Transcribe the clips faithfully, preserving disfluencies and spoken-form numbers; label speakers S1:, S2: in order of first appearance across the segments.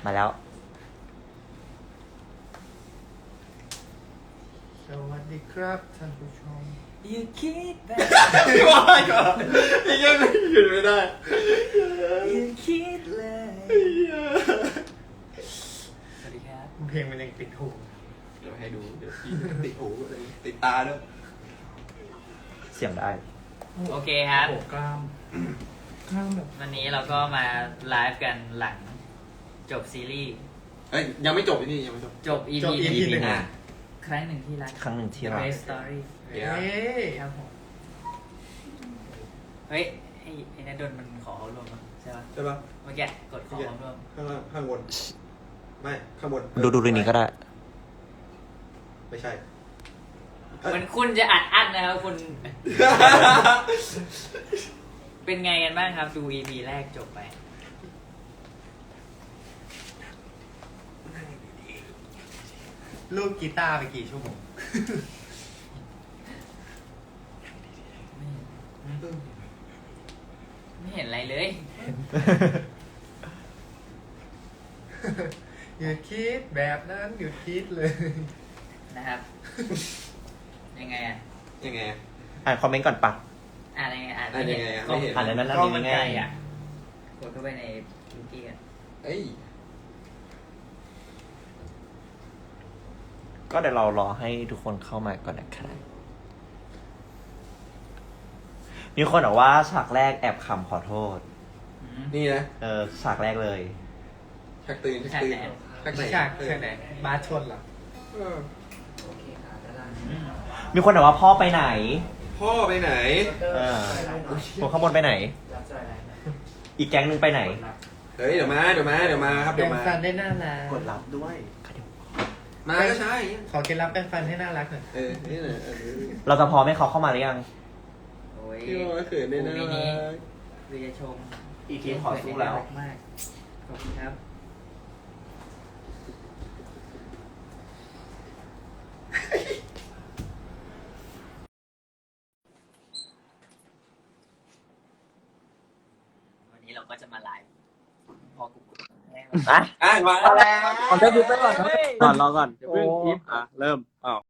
S1: มาแล้ว
S2: สวัสดีครับท่านผู้ชม
S3: Youคิดแบบ
S4: ว่าก่อนไอ้เงี้ยไม่หยุดไม่ได้
S3: Youคิดเลยสวัสดีครับ
S2: เพลงมันยังติดหู
S4: เดี๋ยวให้ดูเดี๋ยวพี่ติดหูติดตาด้วย
S1: เสียงได้
S3: โอเคครับ
S2: โอ้กล้ามกล้ามแบบ
S3: วันนี้เราก็มาไลฟ์กันหลังจบซีรีส์
S4: เฮ้ยยังไม่จบที่นี่ยังไม่จบ
S3: จบ อี
S2: จบ
S3: พี
S2: อี
S3: ห
S2: พีหนึ่
S3: นึ่
S2: ง
S3: ง
S2: อ่ะ
S3: ครั้งหนึ่งที่รัก
S1: ครั้งหนึ่งที่
S3: The
S1: รัก
S3: Best Story
S4: เดี๋ยว
S2: เฮ้ย
S3: ครับผมเฮ้ยไอ้ไอ้นัดดนมันขอเขารวมมั้งใช่ป่ะ
S4: ใช่ปะ
S3: เมื่อกี้กดขอเขารวม
S4: ข้างล่างข้างบนไม่ข้างบน
S1: ดูดูเรื่องนี้ก็ได้
S4: ไม่ใช่
S3: เหมือนคุณจะอัดอั้นนะครับคุณ เป็นไงกันบ้างครับ ดู อี พี แรกจบไป
S2: ลูกกีตาร์ไปกี่ชั่วโมง
S3: ไม่เห็นอะไรเลย
S2: อย่าคิดแบบนั้นหยุดคิดเลย
S3: นะครับ ยังไงอ่ะ
S4: ยังไง
S1: อ่านคอมเมนต์ก่อนปะ
S3: อ่านยังไงอ่าน
S4: อ่านยังไงอ่ะไม่เห็น
S1: อ่านในนั้น
S3: กล้อง
S1: มี
S3: มันไกล
S1: ง่าย
S3: อ่ะกดเข้าไปในวิกิกัน
S4: เอ้ย
S1: ก็เดี๋ยวเรารอให้ทุกคนเข้ามาก่อนนะครับมีคนบอกว่าฉากแรกแอบขำขอโทษ
S3: อืม
S4: นี่นะ
S1: เออฉากแรกเลย
S4: ชักตื่นชักตื่นชักไหน
S2: ฉากเช่นไหนบาสชนเหรอ
S4: เออ
S3: อืม
S1: มีคนบอกว่าพ่อไปไหน
S4: พ่อไปไหน
S1: เออคนข้างบนไปไหน อีกแก๊งหนึงไปไหน
S4: เฮ้ยเดี๋ยวมาเดี๋ยวมาเดี๋ยวมาครับ
S2: แปร
S4: เดี๋ยว
S2: ง
S4: มา
S2: ฟันได้น่ารัก
S1: กดรับด้วย
S4: มาก็ใช่
S2: ขอเคล็ดลับแปรงฟันให้น่ารักหน่อย
S4: เออนี่แหละเออ
S1: เราจะพร้อมให้เขาเข้ามาหรือยัง
S3: โอ้ย
S4: พี่ว่าเขินได้นะ
S3: มินิวิจชม
S1: อีทีมขอสู้แล้ว
S3: มากขอบคุณครับ วันนี้เราก็จะมาไลฟ์พอกูกดแรก
S1: อ่ะ
S4: อ่ะมา
S1: แล้ว
S5: ขอเจ้าดูไปก่อนครับ ก่อนรอก่อนอย่าเพิ่ง
S2: โอ้
S5: อิฟอ่ะ เริ่มอ้าว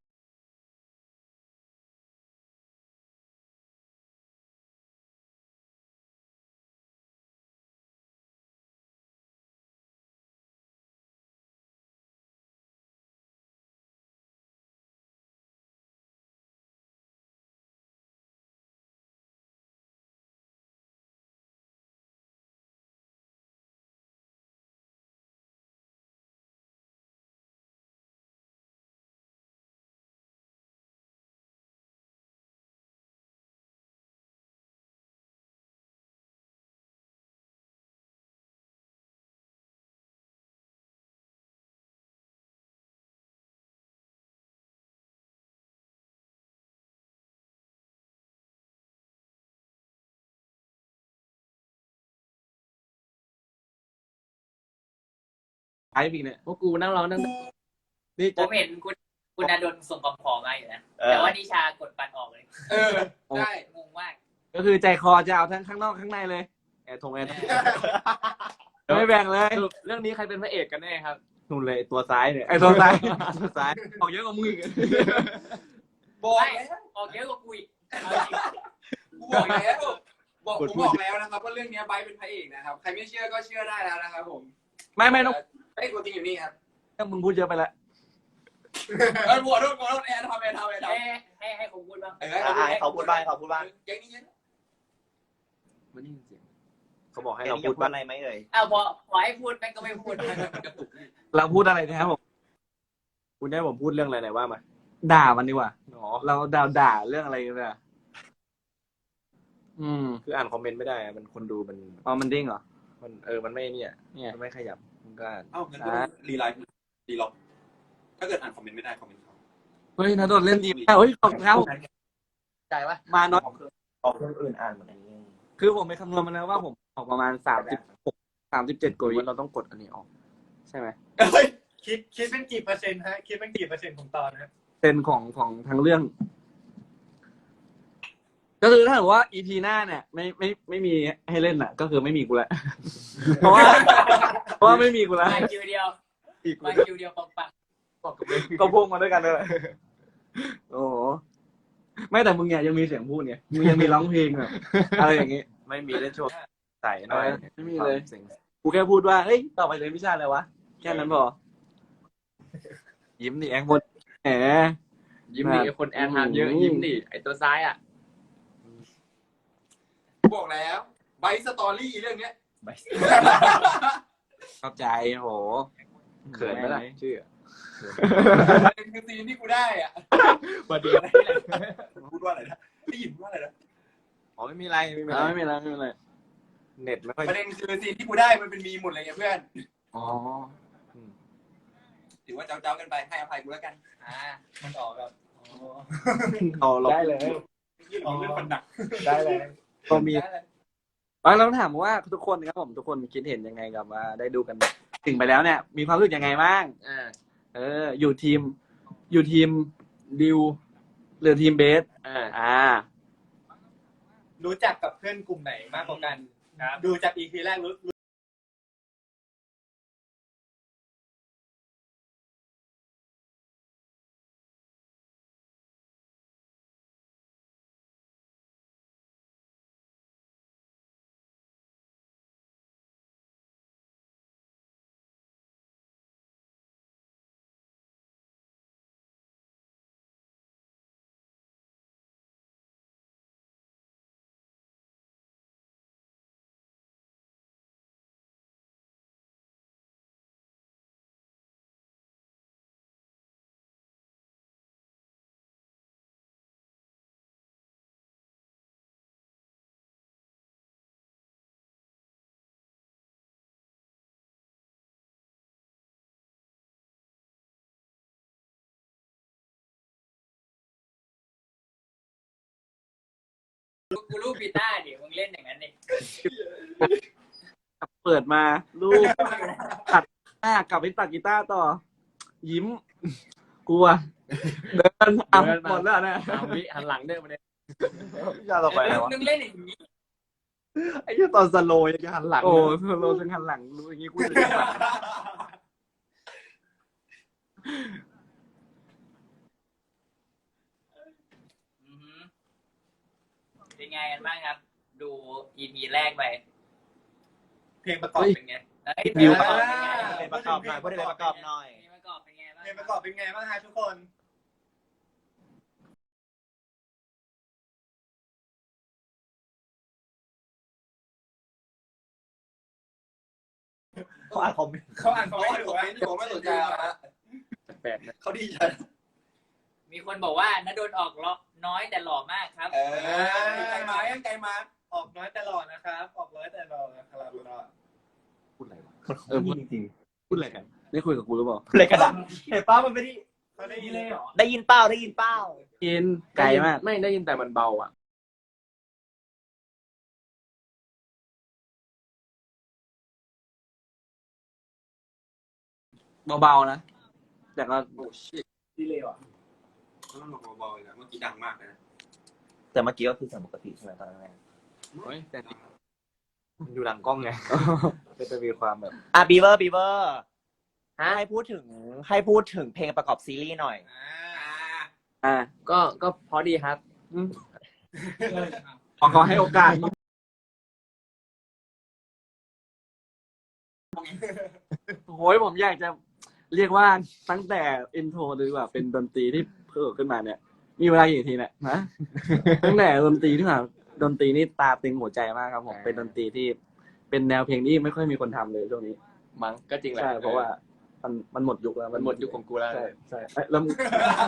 S5: ไอ้ปีเนี่ยพวกกูนั่งรอนั่งนี่
S3: ผ
S5: จะ
S3: มเห็นคุณคุณอดลส่งกำขอมาอยู่นะ
S1: เออ
S3: แต่ว่านิชากดปัดออกเลย
S4: เออได้
S3: งงมาก
S5: ก็คือใจคอจะเอาทั้งข้างนอกข้างในเลยแอร์ทงแอร์ทงไม่แบ่งเลย
S6: เรื่องนี้ใครเป็นพระเอกกันแน่ครับ
S5: นู่นเลยตัวซ้ายเนี่ยไอ้ตัวซ้ายตัวซ้าย
S6: ออกเยอะกว่ามึงอีก
S4: บอก
S3: ไม่
S4: แล้ว
S3: ออกเยอะกว่ากูอีกเอาจริง
S4: กูบอกแล้วบอกผมบอกแล้วนะครับว่าเรื่องนี้ไบร์ทเป็นพระเอกนะครับ ใครไม่เชื่อก็เชื่อได้แล้วนะครับผม
S5: ไม่ไม่ต้อง
S4: ไอ้ยตัวจริงอยู่นี่ครับ
S5: ต้องมึงพูดเยอะไปละ
S4: เออบัวโดนบัวโดนแอร์ทำแอร์ทำแอร์ทำ
S3: ให้ให้ให้ผมพูดบ้าง
S4: เออ
S1: อ่ะให้เขาพูดบ้างให้เขาพูดบ้าง
S4: แก๊งนี้เยอะ
S5: มันนี่เสียงเขาบอกให้
S1: ให้
S5: เรา
S1: เรา
S5: พู
S1: พู
S5: ด
S1: ด
S5: บ้า
S1: ว่าง อะไรไหมเอ่ย
S3: เอาพอพอให้พูดแม่งก็ไม่พูด
S4: กระตุกนี่
S5: เราพูดอะไรนะครับผมคุณได้ผมพูดเรื่องอะไรไหนว่ามาด่ามันดีกว่า
S6: อ๋อ
S5: เราด่าด่าเรื่องอะไรกันเนี่ยอืม
S6: คืออ่านคอมเมนต์ไม่ได้อะมันคนดูมัน
S5: อ๋อมันดิ้งเหรอ
S6: มันเออ มันไม่เนี่ย
S5: เนี่ย
S6: มันไม่ขยับ มันก็อ่าน
S4: เอ้างั้นก็ต้องรีไลน์รีล็อกถ้าเกิดอ่านคอมเมนต์ไม่ได้คอมเมนต์เขา
S5: เฮ้ยนาโดนเล่นดีมากเฮ้ยขอบคุณครับ
S3: ใจปะ
S5: มาน้อย
S1: ออกเครื่องอื่นอ่านเหมือนอันนี้
S5: คือผมไปคำนวณมาแล้วว่าผมออกประมาณสามสิบหกสามสิบเจ็ดกว่าวิ
S6: ว่าเราต้องกดอันนี้ออก
S5: ใช่ไหม
S4: เฮ้ย
S2: คิดคิดเป็นกี่เปอร์เซ็นต์ฮะ คิดเป็นกี่เปอร์เซ็นต์ของตอนฮะ
S5: เป็นของของทั้งเรื่อง ก็คือถ้าเกิดว่าอีพีหน้าเนี่ย ไม่ไม่ไม่มีให้เล่นอ่ะ ก็คือไม่มีกูแล้ว เพราะว่าราะว่าไม่มีกูแล้ว
S3: มาคิวเดียว
S1: อีก
S3: มาคิวเดียวปังปัง
S5: ก็พุ่งมาด้วยกันเลยโอ้โหไม่แต่มึงเนี่ยยังมีเสียงพูดไงมึงยังมีร้องเพลงแบบอะไรอย่างงี้
S6: ไม่มีได้ช่วงใส่หน่อย
S5: ไม่มีเลย
S6: สิ่ง
S5: กูแค่พูดว่าเฮ้ยต่อไปเรียนวิชาอะไรวะแค่นั้นพอ
S6: ยิ้มดิแอง
S5: หมดแหม
S7: ยิ้มดิไอ้คนแอร์ไทม์เยอะยิ้มดิไอตัวซ้ายอ่ะ
S4: บอกแล้วไบสตอรี่เรื่องเนี้ย
S5: เข้าใจโห
S6: เขินไหมล่ะชื่อ
S4: เป็นคือซีนที่กูได้อ่ะ
S1: มาดีอะไรนี่แหละ
S4: พูดว่าอะไรนะได้ยินพูดว่าอะไรนะ
S6: อ๋อไม่มีไรไม่มี
S5: เอ
S6: ไร
S5: อไม่มีแล้วไม่มีอะไร
S6: เน็ตไม่ค่อย
S4: ประเด็นคือซีนที่กูได้มันเป็นมีหมดเลยไงเพื่อน
S5: อ๋อ
S4: ถือว่าเจ้าๆกันไปให้อภัยกูแล้วกัน
S3: อ่า
S2: มันออกแบบ
S6: เอาเรา
S5: ได้เลย
S2: ออกเรื่องคนดัก
S1: ได้เลย
S5: ก็มีบางเราถามว่าทุกคนนะครับผมทุกคนคิดเห็นยังไงกับว่าได้ดูกันถึงไปแล้วเนี่ย มีความรู้สึกยังไงบ้าง
S7: อ่า
S5: เออ อยู่ทีม อยู่ทีมดิวหรือทีมเบส
S7: อ่า
S5: อ่า
S2: รู้จักกับเพื่อนกลุ่มไหนมากกว่ากันครับดูจาก อี พี แรกรู้
S3: กูรูปกีตาร์ดิมึงเล่นอย่างนั้นดิ
S5: เปิดมาลูกตัดหน้ากลับไปตัดกีตาร์ต่อ ยิ้ม กลัว เดินอ่ะหมดแล้วนะ
S7: สามวิหันหลังเดินมาเนี่ย
S6: วิชาต่อไปอะไรวะ
S3: มึงเล่นอย่างนี้
S6: ไอ้ที่ตอนสโลว์ยังจะหันหลัง
S5: โอ้โลถึงหันหลังรู้อย่างงี้กูจะ
S3: อือหือเป็นไงกันบ้างครับ ดู อี พี แรกไป
S2: เพลงประกอบเป็นไง
S3: เฮ้ยเพลงประกอบเป็นไง
S1: เพลงประกอบหน่อยพูดถึงเพลงประกอบหน่อย
S3: เพลงประกอบเป็นไงบ้าง
S2: เพลงประกอบเป็นไงบ้างฮะทุกคน
S1: เขาอ่านคอมเมนต์
S2: เขาอ่าน
S4: เขา
S2: เขา
S4: ไม่
S2: ไม่
S4: ถู
S2: ถู
S4: ก
S2: ก
S4: ไม่ถูกไม่สนใจนะ
S7: แปลกนะ
S4: เขาดีใจ
S3: มีคนบอกว่าณดลออกล้อน้อยแต่หล่อมากครับ
S4: เออใจมายังใจมา
S2: ออกน้อยแต่หล่อนะครับ ออกน้อยแต่หล่อนะครับ
S6: พูดอะไรวะ
S5: เออพูด
S1: จริง
S6: พูดอะไรกัน
S5: ได้คุยกับกูหรือเปล่า
S1: ๆเลยกระดาษเห็นป้ามันไม่ได้
S2: เขาได้ยินเลยเหรอ
S1: ได้ยินเป้าได้ยินเป้า
S5: กินไกลมาก
S7: ไม่ได้ยินแต่มันเบาอ่ะ
S5: เบาๆนะ แต่ก็
S4: โอ้ชิ
S2: ดีเลยว่ะ
S4: ต้องบอกเบาๆเลยนะเมื่อกี้ดังมากเลยนะ
S1: แต่เมื่อกี้ก็คือเสียงปกติใช่ไหมตอนแรก
S7: เฮ้ยแต่
S6: มันอยู่หลังกล้องไง ก็จะมีความแบบ
S1: อ่ะบีเวอร์บีเวอร์ให้พูดถึงให้พูดถึงเพลงประกอบซีรีส์หน่อย
S2: อ่า
S5: อ่า
S7: ก็ก็พอดีครับ
S5: ขอขอให้โอกาสโอ้ยผมอยากจะเรียกว่าตั้งแต่อินโทรดีกว่าเป็นดนตรีที่เพิ่มขึ้นมาเนี่ย มีเวลากี่นาทีเนี่ยนะตั้งแต่ดนตรีที่มาดนตรีนี่ตาตึงหัวใจมากครับผมเป็นดนตรีที่เป็นแนวเพลงที่ไม่ค่อยมีคนทำเลยช่วงนี้
S7: มั้งก็จริงแหละ
S5: ใช่เพราะว่ามันมันหมดยุคแล้ว
S7: มันหมดยุคของกูแล้ว
S5: ใช่ใช่เอ้ยแล้วมึง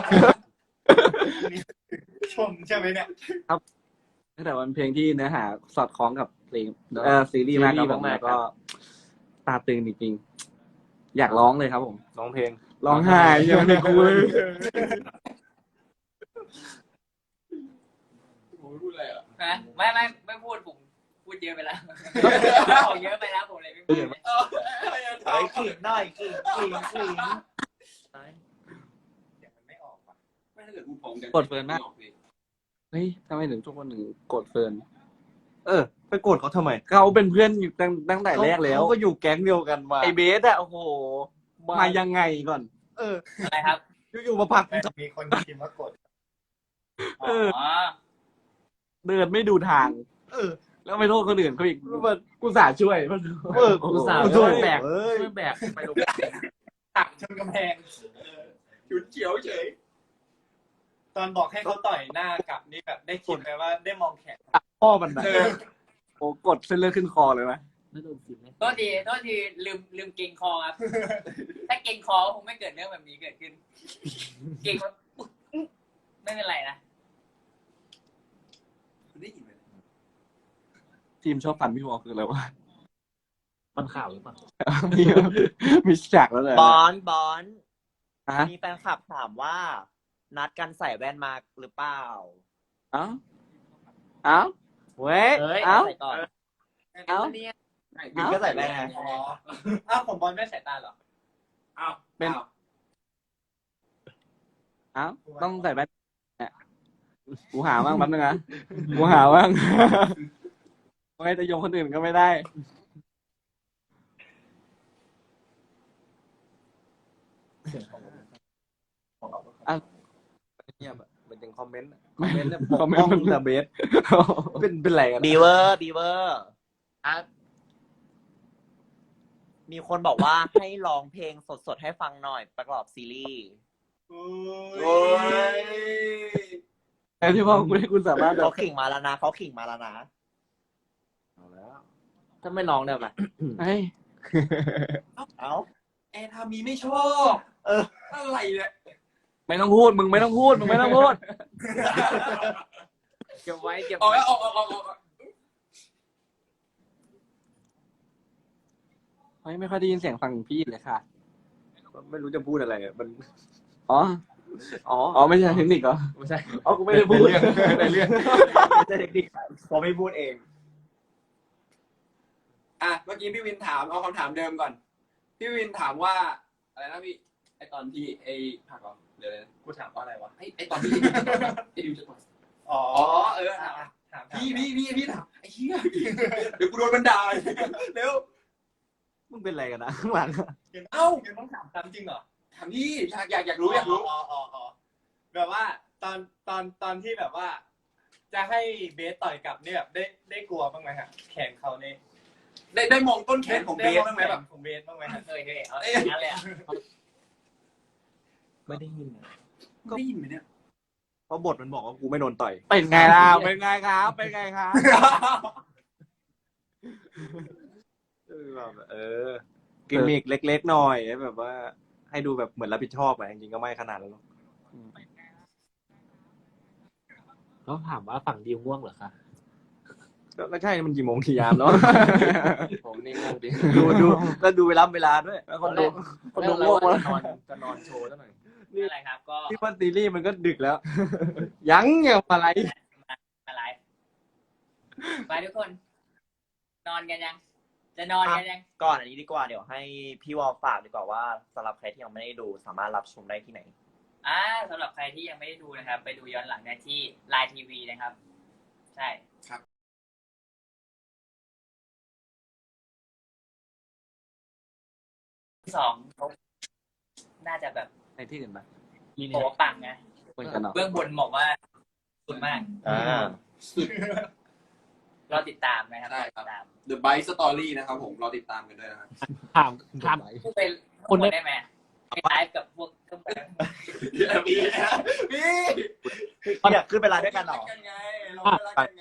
S2: ชมใช่ไหมเนี่ย
S5: แต่มันเพลงที่เนื้อหาสอดคล้องกับเพลงเอ่อซีรีส์มากครับผมแล้วก็ตาตึงจริงๆอยากร้องเลยครับผม
S6: ร้องเพลง
S5: ร้องไห้ยังไม่กูเลย
S4: ผมพูดอะไรอ่ะ
S3: นะไม่ไม่ไม่พูดผมพูดเยอะไปแล้วบอกเยอะไปแล้วผมเลยไม่พูด
S1: เฮ้ยกลิ่นหน่อยกลิ่นกลิ่นกลิ่น
S2: เดี๋ยวมันไม่ออกว่ะ
S4: ไม่ถ้าเกิดกูผม
S5: กดเฟิร์นมาก เฮ้ยทำไมถึงทุกคนถึงกดเฟิร์นเออ
S1: ไปโกรธเขาทำไม
S5: เขาเป็นเพื่อนอยู่ตั้งตั้งแต่แรกแล้ว
S1: เขาก็อยู่แก๊งเดียวกันมา
S5: ไอเบสอะโอ้โหมายังไงก่อน
S1: เออ
S3: อะไรครับ
S1: อยู่ๆมาผลัก
S2: มีคนพิมพ์ว่ากด
S3: อ๋อ
S5: เดินไม่ดูทาง
S1: เออ
S5: แล้วไปโทษคนอื่นเขาอีกกูสาช่วย
S1: เออ
S7: กูสาว
S1: กู
S7: ช่วย
S1: แบ
S7: แบ
S1: ก
S7: ก
S1: เอ้ย
S7: ช่วยแบกไปลง
S2: ตักชนกำแพง
S4: ฉุนเฉียวเฉย
S2: ตอนบอกให้เขาต่อยหน้ากลับนี่แบบได้คิดไหมว่าได้มองแขน
S5: พ่อมันนะโอ้กดเส้นเลือดขึ้นคอเลยไหม
S7: ไม่โดนสิบไหม
S3: โทษทีโทษทีลืมลืมเกรงคอครับ ถ้าเกรงคอคงไม่เกิดเรื่องแบบนี้เกิดขึ้น เกรงว่าไม่เป็นไรนะ
S4: คุณได้ยินไหม
S5: ทีมชอบฟันพี่วอลคืออะไรวะ
S7: มันข่าวหรือเปล่า
S5: มีมีฉากแล้วเลย
S1: บอนบอน
S5: ฮะ
S1: มีแฟนคลับถามว่า นัดกันใส่แว่นมาหรือเปล่า
S5: เอ้าเอ้า
S1: เว้ย
S7: เฮ้ย
S5: เอ้า
S1: ใส่ก่อน
S5: เอ้า
S1: บินก็ใส่แว่นไง
S2: อ๋ออ้าวผมบอลไม่สายตาเหรอ
S4: อ้าว
S5: เป็น
S4: อ้าว
S5: เอ้าต้องใส่แว่นเนี่ยกูหาบ้างแป๊บนึงนะกูหาบ้างไม่จะโยงคนอื่นก็ไม่ได้
S6: เงียบอะมันยังคอมเมนต์อะ
S5: ไม่
S6: คอมเมนต์เนี่ย
S5: คอมเมนต์
S6: ปกป้องแต่เบสเป็นเป็นไรกัน
S1: บีเวอร์บีเวอร์
S7: อ่ะ
S1: มีคนบอกว่าให้ร้องเพลงสดๆให้ฟังหน่อยประกอบซีรีส์
S2: โอ้
S4: โอ้ย
S5: แต่ที่พ่อคุณให้คุณสามารถแบ
S1: เขา
S5: บ
S1: ขิงมาแล้วนะเขาขิงมาแล้วนะ
S6: เอาแล้ว
S7: ถ้าไม่ร้องได้ไหม
S5: เฮ้ย
S1: เอ้า
S4: แอนทามีไม่ชอบ
S1: เออ
S4: อะไรเนี่ย
S5: ไม่ต้องพูดมึงไม่ต้องพูดมึงไม่ต้องพูด
S7: เก็บไว้เก็บ
S4: ออก
S7: ไว้
S4: แล้วออกออกออกออก
S5: เฮ้ยไม่ค่อยได้ยินเสียงฟังพี่เลยค่ะ
S6: ไม่รู้จะพูดอะไรอะมัน
S5: อ๋อ
S6: อ๋อ
S5: อ๋อไม่ใช่เทคนิคเหรอ
S7: ไม่ใช่
S5: อ๋อกูไม่ได้พูด
S6: ในเรื่อง
S1: ไม่ใช่เทคนิคเขาไม่พูดเอง
S4: อ่ะเมื่อกี้พี่วินถามเอาคำถามเดิมก่อน พี่วินถามว่าอะไรนะพี่ไอตอนที่ไอผักเหรอเดี๋ยวเลยนะ
S2: กูถามว่าอะไรวะ
S4: ไอไอตอนที่ไอดิวจะต่อย
S2: อ๋อ
S4: อ๋อเออถาม
S2: ถาม
S4: พี่พี่พี่พี่ถามไอ้เหี้ยเดี๋ยวกูโดนบันดาลเร็ว
S6: มึงเป็นอะไรกันนะข้างหลังอะ
S4: เอ้า
S2: ยังต้องถามคำจริงเหรอ
S4: ถามพี่อยากอยากอยากรู้อยากรู้
S2: อ๋ออ๋ออ๋อแบบว่าตอนตอนตอนที่แบบว่า จะให้เบสต่อยกลับเนี่ยแบบได้ได้กลัวบ้างไหมฮะแขนเขาเนี่ย
S4: ได้ได้มองต้นแขนของเบสบ้างไหมแบบ
S2: ของเบสบ้างไหมฮะ
S3: เฮ้ยเฮ้ยเอาอย่างนั้นเลยอ่ะ
S6: ไม่ได้ยินอะ
S4: ได้ยินไหมเนี่ย
S6: เพราะบทมันบอกว่ากูไม่โดนต่อย
S5: เป็นไงล่ะเป็นไงครับ เป็นไงครับ
S6: เออแบบเออกิมมิกเล็กๆหน่อยแบบว่า ให้ดูแบบเหมือนรับผิดชอบอะจริงๆก็ไม่ขนาดนั้นหรอก
S7: เขาถามว่าฝั่งดีง่วงเหรอคะ
S6: ก็ก็ใช่มันกี่โมงกี่ยามเนาะ
S7: ผมนี่ง่วงดิ
S6: ดูดูก็ดูเวลาเวลาด้วย
S5: แล้วคนดูคน
S7: เรื่
S5: ดู
S7: องอะไร
S5: ง่วง
S7: ว่า
S5: แล้ว
S7: จะนอนจะนอนโชว์ซะหน่อย
S3: อะไรครับ ก็
S6: ที่ว่าซีรีส์มันก็ดึกแล้ว
S5: ยังเงี้ยอะไร
S3: อะไรไปทุกคน นอนกันยัง จะนอนกันยัง
S1: ก่อนอันนี้ดีกว่าเดี๋ยวให้พี่วอลฝากดีกว่าว่าสำหรับใครที่ยังไม่ได้ดูสามารถรับชมได้ที่ไหน
S3: อ่าสำหรับใครที่ยังไม่ได้ดูนะครับ ไปดูย้อนหลังได้ที่ไลน์ทีวีนะครับ ใช่
S4: ครับ
S3: สองน่าจะแบบ
S5: ในที่อื่นปะ
S3: โอ้ปังนะ
S5: เหมือนกันเนาะ
S3: เบื้องบนบอกว่าสุดมาก
S1: อ่า
S3: เราติดตามนะครับ
S4: ได้ครับ
S3: ติดตาม
S4: The Bite Story นะครับผมเราติดตามกันด้วยนะครับ
S7: ถามถาม
S3: ผู้เป็นคนได้ไหมไปไลฟ์กับพวกเครื่องแบบ
S4: พี่พี่
S1: อยากขึ้นไปไลน์ด้วยกันเหรอ
S4: กันไงเราไม่รักกันไง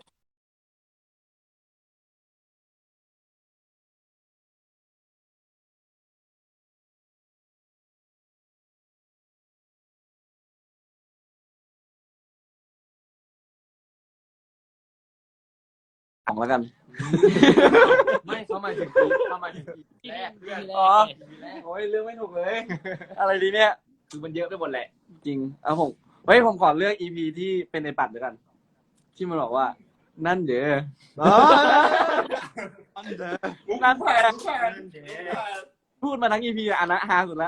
S5: ของแล้วกัน
S7: ไม่เขามาถึงปีเขามาถึงปีแรกเรื่อง
S5: อ๋อ
S7: แรก
S5: โอ้ยเรื่องไม่ถูกเลย อะไรดีเนี่ย
S7: คือมันเยอะไปหมดแหละ
S5: จริงเอาผมเฮ้ยผมขอเลือกอีพีที่เป็นในปัดด้วยกัน ที่มันบอกว่า นั่นเด้อ นั่นแหละพูดมาทั้งอีพีอันนะฮาสุดละ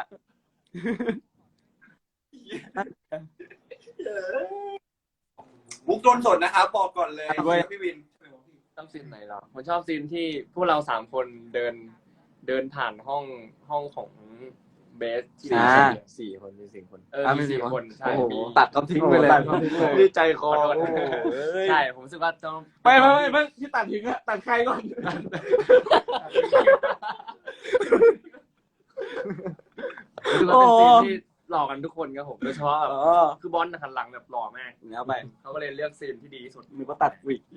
S4: มุกโดนสดนะครับบอกก่อนเลย
S5: ด้วย
S4: พี่วิน
S7: ชอบซีนไหนเหรอผมชอบซีนที่พวกเราสามคนเดินเดินผ่านห้องห้องของเบสที่
S5: อ่า
S6: สี่คนมีสี่คน
S7: เออ
S5: อ่ะ
S7: มี
S5: มีสี่
S7: สี่
S5: คน
S7: คนใช่
S5: โอ้โห
S7: มี
S5: ตัดเขาทิ้งไปเลย
S6: ตัดเขาทิ้งเลย นี่ใจคอ
S7: ขอโทษ
S6: โอ้โหเอ้ย
S7: ใช่ผมรู้สึกว่าต้อง
S5: ไม่ไม่ไม่ไม่ที่ตัดทิ้งอะตัดใครก่อน
S7: รู้สึกว่าเป็นซีนที่หล่อกันทุกคนครับผมโดยเฉพาะแบบ
S5: อ๋อ
S7: คือบอลหันหลังแบบหล่อมาก
S5: เอาไป
S7: เขาก็เลยเลือกซีนที่ดีที่สุด
S5: มีก็ตัดวิก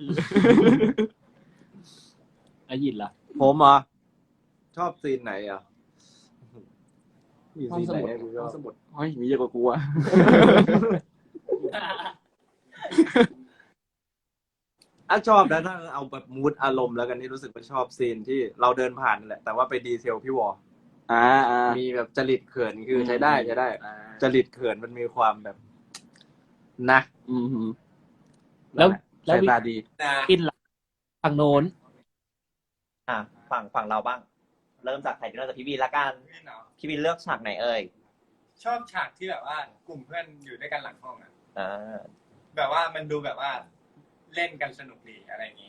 S8: อายินล่ะ
S6: ผมเหรอชอบซีนไหนอ่ะมี
S7: ห้อง
S6: ซีน
S7: ส
S6: ไหน
S7: มุด
S6: ให้กูช
S7: ห้
S6: อ
S7: อบ งสมุด
S5: เฮ้ยมีเยอะกว่ากูอะ
S6: อ่ะชอบนะถ้าเอาแบบมูดอารมณ์แล้วกันที่รู้สึกว่าชอบซีนที่เราเดินผ่านนั่นแหละแต่ว่าไปดีเทลพี่วอ
S5: อ่าอ่า
S6: มีแบบจริตเขินคือใช้ได้ใช้ได้
S7: อ่า
S6: จริตเขินมันมีความแบบนะ
S5: อืมฮึ
S8: แล้วแล้ว
S6: สายตาดี
S4: นะ
S8: กินล่ะทางโน้น
S1: อ่ะฝั่งฝั่งเราบ้าง เริ่มจากใครเริ่มจากพี่วีละกัน
S2: พี่เนาะ
S1: พี่วีเลือกฉากไหนเอ่ย
S2: ชอบฉากที่แบบว่ากลุ่มเพื่อนอยู่ด้วยกันหลังห้องอะ
S1: อ่า
S2: แบบว่ามันดูแบบว่าเล่นกันสนุกดีอะไรอย่างงี้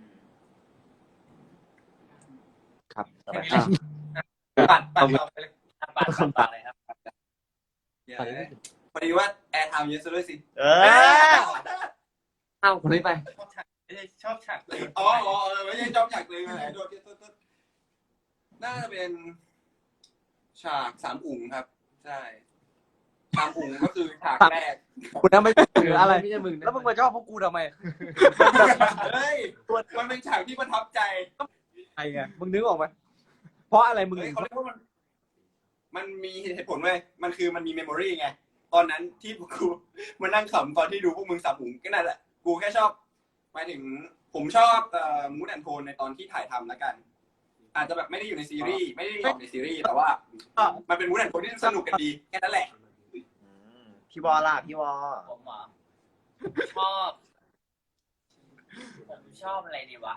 S5: ครับ
S2: แค่นี้แหละปัดปัดต่อไปเลย
S3: ปาดปาดปาดเลยครับ
S4: เดี๋ยวนะพอดีว่าแอร์ไทม์เยอะซะด้วยสิ
S1: เออ
S7: เอ้าคนนี้ไป
S2: ชอบฉากไม่ใช่ชอบฉากเลย
S4: อ๋ออ๋อเออไม่ใช่จอมอยากเลยอะไรโดดโดดโดดน่าจะเป็นฉากสามอุ๋งครับ ใช่สามอุ๋งก็คือฉากแรก
S6: คุณนั่นไม่ถืออะไร
S7: ไม่ใช่มึงนะ
S6: แล้วมึงมาชอบพวกกูทำไม
S4: เฮ้ยมันเป็นฉากที่ประทับใจ
S6: ไอ้ไงมึงนึกออกไหมเพราะอะไรมึง
S4: เฮ้ย
S6: ถึง
S4: เขาเรียกว่ามัน มันมีเหตุผลเว้ยมันคือมันมีเมมโมรีไง ตอนนั้นที่กูมานั่งขำตอนที่ดูพวกมึงสับหุงก็นั่นแหละ กูแค่ชอบหมายถึงผมชอบเอ่อมูดแอนโทนในตอนที่ถ่ายทำแล้วกัน อาจจะแบบไม่ได้อยู่ในซีรีส์ไม่ได้ออกในซีรีส์แต่ว่า มันเป็นมูดแอนโทนที่สนุกกันดีแค่นั้นแหละ
S1: อืมพี่วอล่ะพี่วอ
S3: ผมเหรอชอบ ผมชอบอะไรดีวะ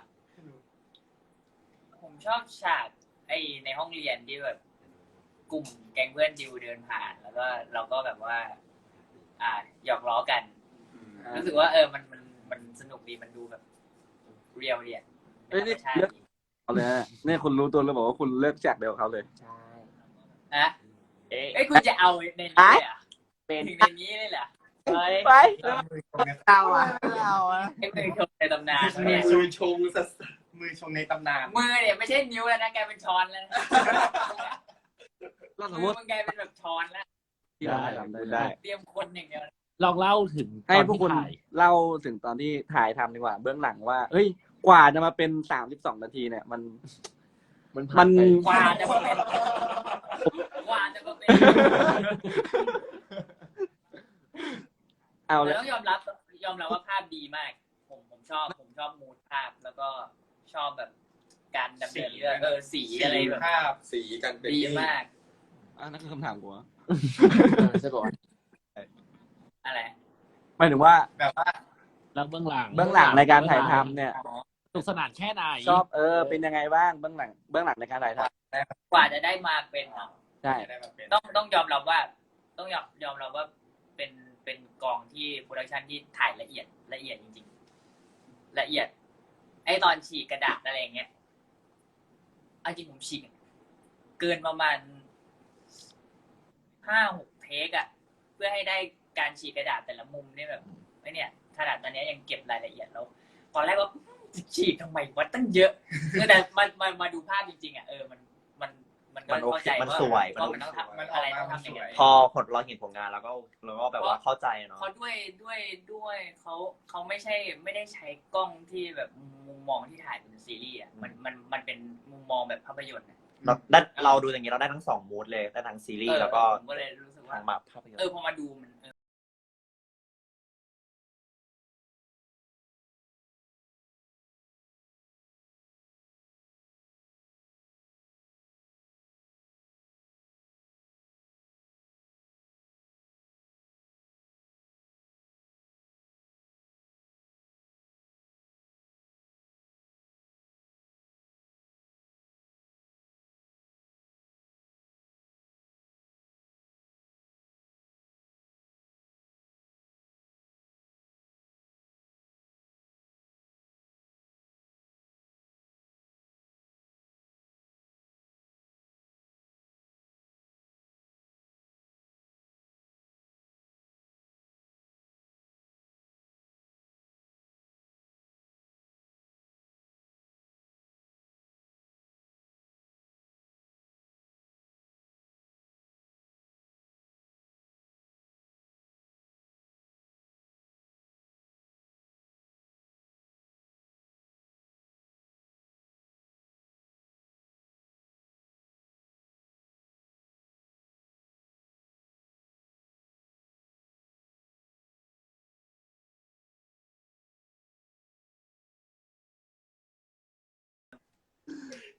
S3: ผมชอบฉากไอในห้องเรียนที่แบบกลุ่มแก๊งเพื่อนดิวเดินผ่าน แล้วก็เราก็แบบว่า อ่าหยอกล้อกัน รู้สึกว่าเออมันมันมันสนุกดีมันดูแบบเรียวเรียนเป็นธรรมชาติดี
S5: เอาเลยนะเนี่ยคุณรู้ตัวแล้วบอกว่าคุณเลือกแจกเดียวกับเขาเลย
S3: ใช่อะ
S1: เอ๊ะ
S3: เอ้ยคุณจะเอาในนี้เลยเหรอ่ะ
S1: เป็น
S3: ถึงในนี้เลยเหรอเฮ้ย
S5: ไป
S1: เอาอะเอาอะ
S3: ไอ้มือชงในตำนานเนี่ย
S2: มือชงสัสมือชงในตำนาน
S3: มือเนี่ยไม่ใช่นิ้วแล้วนะกลายเป็นช้อนแล้วนะ
S5: เราสม
S3: มื
S5: ม
S3: อ
S5: ติ
S3: มันกลายเป็นแบบช้อนแล้ว
S5: ที่เราทำได้ได้
S3: เตรียมคนอย่างเดียว
S8: ลองเล่าถึง
S5: ให้พวกคุณ
S8: ตอนที่ถ่าย
S5: เล่าถึงตอนที่ถ่ายทำดีกว่า เบื้องหลังว่า เฮ้ย กว่าจะมาเป็นสามสิบสองนาทีเนี่ย มัน
S7: มัน
S5: มัน
S3: กว่าจะมาเป็นกว่าจะมาเป็น
S5: เอา
S3: แต่
S5: เลย
S3: ต้องยอมรับยอมรับว่าภาพดีมาก ผมผมชอบผมชอบมูดภาพแล้วก็ชอบแบบการดำเนินเรื่องเออสีอะไรแบบ
S2: ภาพ
S4: สีกันเป็น
S3: ดีมาก
S5: อ่ะนั่นคือคำถามกูอะ
S7: ใช่ป่ะ
S3: อะไร
S5: หมายถึงว่า
S2: แบบว่า
S8: แล้วเบื้องหลัง
S5: เบื้องหลังในการถ่ายทำเนี่ย
S8: สนุกสนานแค่ไหน
S5: ชอบเออเป็นยังไงบ้างเบื้องหลังเบื้องหลังในการถ่ายท
S3: กว่าจะได้มาเป็นเนาะ
S5: ำใช่
S2: ได้มาเป็น
S3: ต้องต้องยอมรับว่า ต้องยอมยอมรับว่าเป็นเป็นกองที่โปรดักชันที่ถ่ายละเอียดละเอียดจริงๆ ละเอียด ไอตอนฉีกกระดาษอะไรอย่างเงี้ยเอาจริงผมฉีกเกินประมาณห้าหกเทคอะเพื่อให้ได้การฉีกกระดาษแต่ละมุมเนี่ยแบบไอเนี่ยขนาดตอนนี้ยังเก็บรายละเอียดแล้วตอนแรกว่าฉีกทำไมวะตั้งเยอะแต่มามามาดูภาพจริงๆอะเออมันมันมันก็
S1: มันโอ
S3: เข้า
S1: เค
S3: ใจ
S1: มัน
S3: ว่า
S1: สวย
S3: ว่ามันต้องทำ
S2: มันออ
S3: อะ
S2: ก
S3: ไร
S2: มา
S3: ต้อง
S2: มัน
S3: ทำ
S2: ส
S3: ยัง
S2: ว
S3: ไง
S2: ย
S1: พอผลเราเห็นผลงานแล้วก็เราก็แบบว่าเข้าใจเนาะ
S3: เพราะด้วยด้วยด้วยเขาเขาไม่ใช่ไม่ได้ใช้กล้องที่แบบมุมมองที่ถ่ายเป็นซีรีส์อ่ะมันมันมันเป็นมุมมองแบบภาพยนตร์อะ
S1: เราได้เราดูอย่างนี้เราได้ทั้งสองมูดเลยได้ทั้งซีรีส์แล้วก็
S3: ผมก็เลยรู้สึกว่า
S1: ทั้งแบบภาพยนต
S3: เออ
S1: ร์
S3: พอมาดูมัน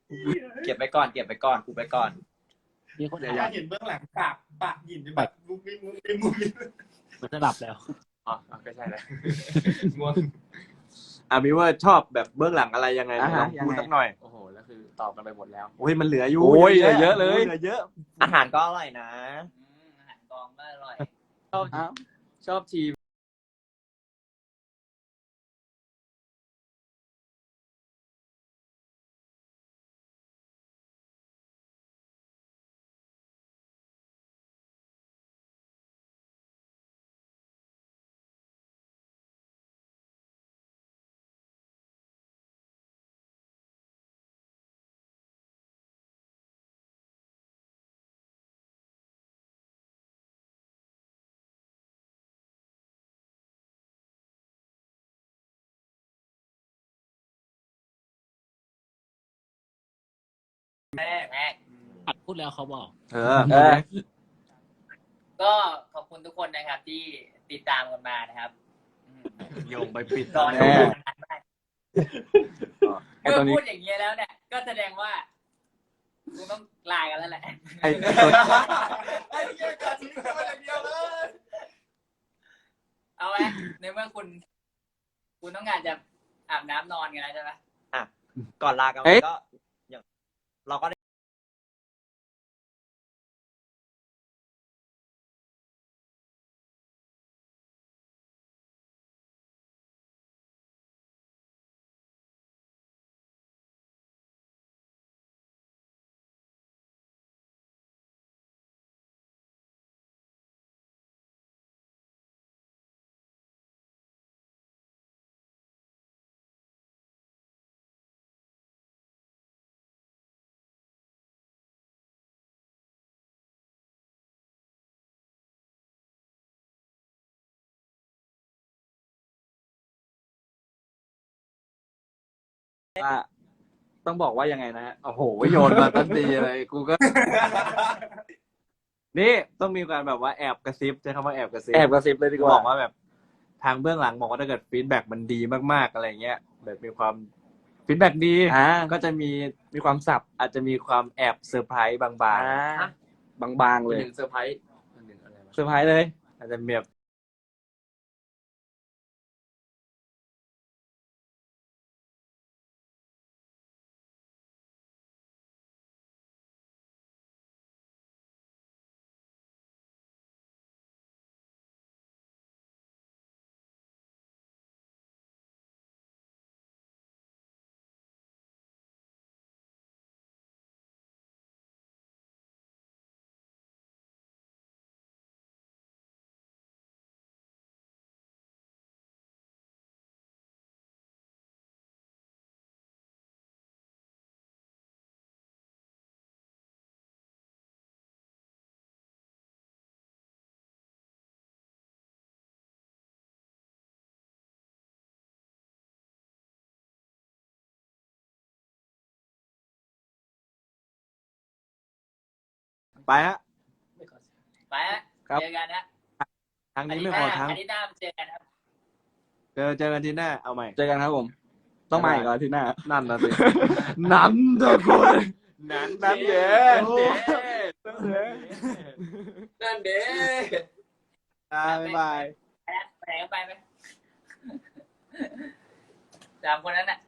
S1: เก็บไปก่อนเก็บไปก่อนกูไปก่อน
S8: มีคน
S2: อยา
S8: ถาก ม
S2: เห็นเบื้องหลังปากปากหยินจะแบบมุกมิบมุกมิบมุกมิบ
S8: มันจะหลับแล้ว
S7: อ๋อก็ใช่แหละง่วง
S6: อ่ะมิเวอร์ชอบแบบเบื้องหลังอะไรยังไง
S5: อ่า
S6: ล
S5: ฮะ
S6: องพูด
S5: ยังไง
S6: สักหน่อย
S7: โอ้โหแล้วคือตอบกันไปหมดแล้ว
S6: โอ้ยมันเหลืออยู่
S5: โอ้ยเหลือเยอะเลย
S6: เหลือเยอะ
S1: อาหารก็อร่อยนะ
S3: อืมอาหารกองก็อร่อย
S7: ชอบ
S5: อ้าว
S7: ชอบทีม
S3: แรกแรก
S8: อัดพูดแล้วเขาบอก
S6: เออ
S5: เออ
S3: ก็ขอบคุณทุกคนนะครับที่ติดตามกันมานะครับอืม
S6: โยงไปปิด
S3: รอ
S5: แน่
S3: ดูนานมาก
S5: ไอ้
S3: เมื่
S5: ตัว
S3: อ
S5: นี้
S3: พูดอย่างนี้ยแล้วเนี่ย ก็แสดงว่ากูต้องลากันแล้วแหละ
S6: ไอ้
S2: ไอ้เหี้ยการทิ้งตัวอย่างเดียวเลย
S3: เอาไหมในเมื่อคุณ คุณต้องการจะอาบน้ำนอนกันแล้วใช่ไหม
S1: อ่ะก่อนลากัน
S5: เอ๊ะ
S1: ก็อย่างเราก็ได้
S5: ว่าต้องบอกว่ายังไงนะฮะ
S6: โอ้โหโยนมาตั้งดีเลยกูก็ นี่ต้องมีการแบบว่าแอบกระซิบใช้คำว่าแอบกระซิบ
S5: แอบกระซิบเลยดี
S6: กู
S5: กว่า
S6: บอกว่าแบบทางเบื้องหลังบอกว่าถ้าเกิดฟีดแบ็กมันดีมากๆอะไรเงี้ยแบบมีความฟีดแบ็กดี
S5: อ่า
S6: ก็จะมี
S5: มีความสับ
S6: อาจจะมีความแอบเซอร์ไพรส์บาง
S5: อ่าบางๆ
S7: เป็
S5: เล
S7: น
S5: ย
S7: หนึ่งเซอร์ไพรส์เป็นหนึ่งอะไรวะ
S5: เซอร์ไพรส์เลย
S6: ๆอาจจะมีแบบไปฮะ
S3: ไปฮะ
S5: ครับ
S3: เจอกันนะ
S6: ทางนี้ไม่พอทาง
S3: อาทิตย์หน้าเจอกันครับ
S6: เจอเจอกันที่หน้าเอาใหม่
S5: เจอกันครับผม ต้องมาอีกเหรออาที่หน้า
S6: นั่นนะสิ นั้นทุกคนนั้น
S5: นั่นเย้
S6: โอ้ย
S7: นั่นเด้
S6: อ่าบ๊ายบาย
S3: ไปนะไปไหนก็ไปไหมสามคนนั้นน่ะ